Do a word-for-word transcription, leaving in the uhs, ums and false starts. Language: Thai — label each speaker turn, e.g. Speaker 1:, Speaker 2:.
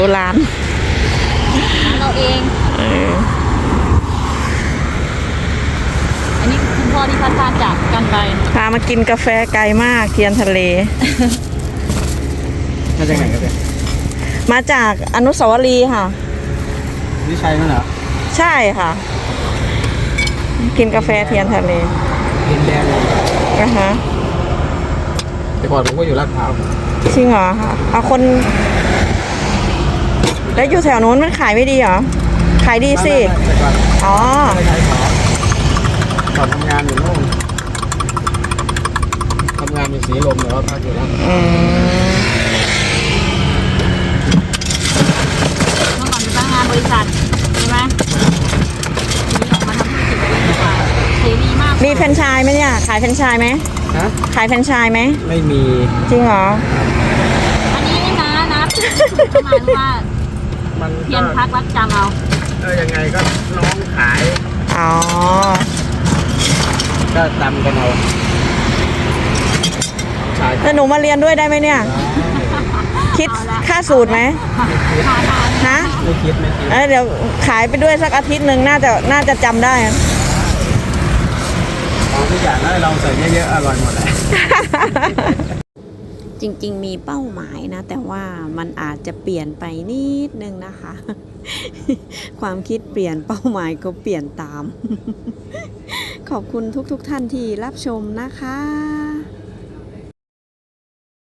Speaker 1: ร้าน
Speaker 2: ร้านเราเอง
Speaker 1: เออ
Speaker 2: อันนี้คุณพ่อที่พัดพาจากกันไป
Speaker 1: พามากินกาแฟไกลมากเทียนทะเล
Speaker 3: มาจากไหนกันเนี่ย
Speaker 1: มาจากอนุสาวรีย์ค่ะ
Speaker 3: นี่ใช่ไหมเหรอ
Speaker 1: ใช่ค่ะกินกาแฟเทียนทะเล
Speaker 3: ดินแดงเลย
Speaker 1: อ่ะฮะ
Speaker 3: แต่ก่อนผมก็อยู่ลาดพร้าว
Speaker 1: จริงเหรอคะเอาคนแล้วอยู่แถวนู้นมันขายไม่ดีเหรอขายดีสิอ๋อ
Speaker 3: ไม่ใช่ขอขอทำงานอยู่โน่นทำงานอยู่สีลมแต่ว่าพักอยู่แล้ว
Speaker 1: อืม
Speaker 2: เมื่อก่อนเป็นพนักงานบริษัทใช่ไหมทีนี้ออกมาทำธุรกิจเองดีกว่าเสรีมาก
Speaker 1: มีแฟรนไชส์ไหมเนี่ยขายแฟรนไชส์ไหม
Speaker 3: ฮะ
Speaker 1: ขายแฟรนไชส์ไหม
Speaker 3: ไม่มี
Speaker 1: จริงเหรอ
Speaker 2: อันนี้นี่นะนะประมาณว่า
Speaker 3: มัน
Speaker 2: เพียนพักรักจำเอา
Speaker 3: เออยังไงก็น้องขาย
Speaker 1: อ๋อ
Speaker 3: ก็จำกันเอาใช่
Speaker 1: แล้วหนูมาเรียนด้วยได้ไหมเนี่ยคิดค่าสูตรไหมฮะ
Speaker 3: ไม่คิดไม่คิด
Speaker 1: เออเดี๋ยวขายไปด้วยสักอาทิตย์หนึ่งน่าจะน่าจะจำได้
Speaker 3: ของทุกอย่างให้เราใส่เยอะๆอร่อยหมดเลย
Speaker 1: จริงๆมีเป้าหมายนะแต่ว่ามันอาจจะเปลี่ยนไปนิดนึงนะคะความคิดเปลี่ยนเป้าหมายก็เปลี่ยนตามขอบคุณทุกๆท่านที่รับชมนะคะ